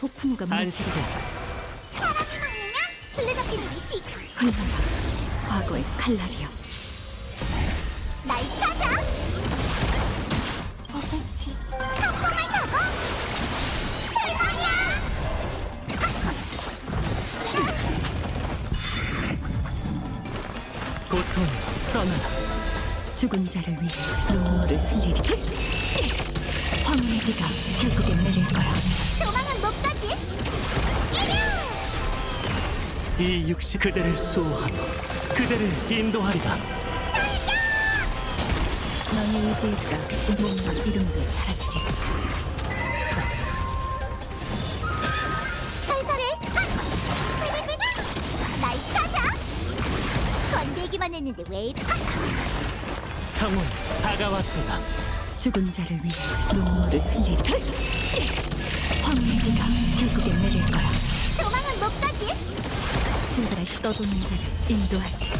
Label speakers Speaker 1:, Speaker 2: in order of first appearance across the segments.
Speaker 1: 폭풍우가 무너지리라.
Speaker 2: 사람이 막으면 술래잡기 놀이시
Speaker 1: 흘러라 과거의 칼날이여.
Speaker 2: 날 찾아. 오겠지. 폭풍을 타고 대박이야.
Speaker 3: 고통 떠나라.
Speaker 1: 죽은 자를 위해 눈물을 흘리리. 황혼의 비가 결국엔 내릴 거야.
Speaker 2: 도망은 못 가지. 이겨.
Speaker 3: 이 육시 그대를 수호하며 그대를 인도하리라.
Speaker 1: 너의 의지에 따라 몸과 이름도 사라지리.
Speaker 2: 살살해. 날 찾아. 건들기만 했는데 왜 이래?
Speaker 3: 평온 다가왔도다.
Speaker 1: 죽은 자를 위해 눈물을 흘리리. 황혼의 비가 결국엔 내릴 거야.
Speaker 2: 도망은 못 가지.
Speaker 1: 출발할 시 떠도는 자를 인도하지.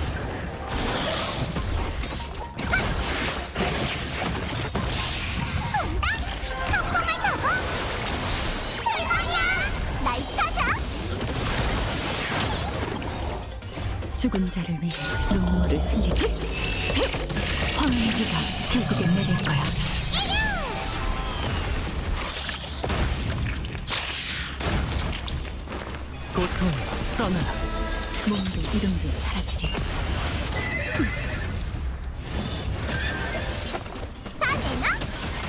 Speaker 2: 폭풍을 타고 대박이야. 날 찾아.
Speaker 1: 죽은 자를 위해 눈물을 흘리리. 황혼의 비가 결국엔 내릴 거야.
Speaker 3: 고통 떠나라.
Speaker 1: 몸도 이름도 사라지리.
Speaker 2: 다 되나?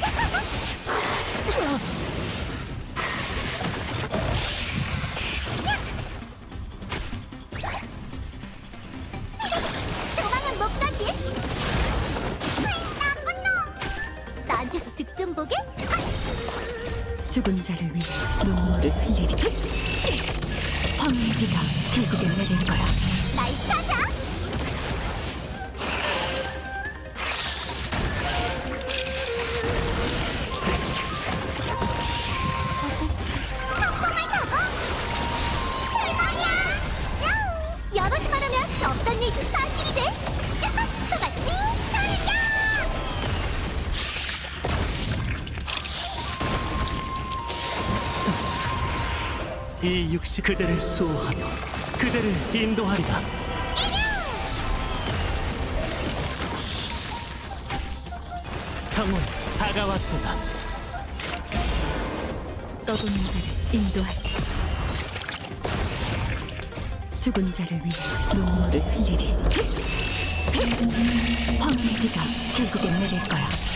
Speaker 2: 도망은 못 가지. 나쁜 놈. 나한테서 득점 보게?
Speaker 1: 죽은 자를 위해 눈물을 흘리리. 황혼의 비가 결국엔 내릴 거야.
Speaker 2: 날 찾아. 폭풍을 타고 대박이야. 야옹. 여럿이 말하면 없던 일도 사실이 돼. 속았지? 달려.
Speaker 3: 이 육시 그대를 수호하며 그대를 인도하리라. 평온 다가왔도다.
Speaker 1: 떠도는 자를 인도하지. 죽은 자를 위해 눈물을 흘리리. 황혼의 비가 결국엔 내릴 거야.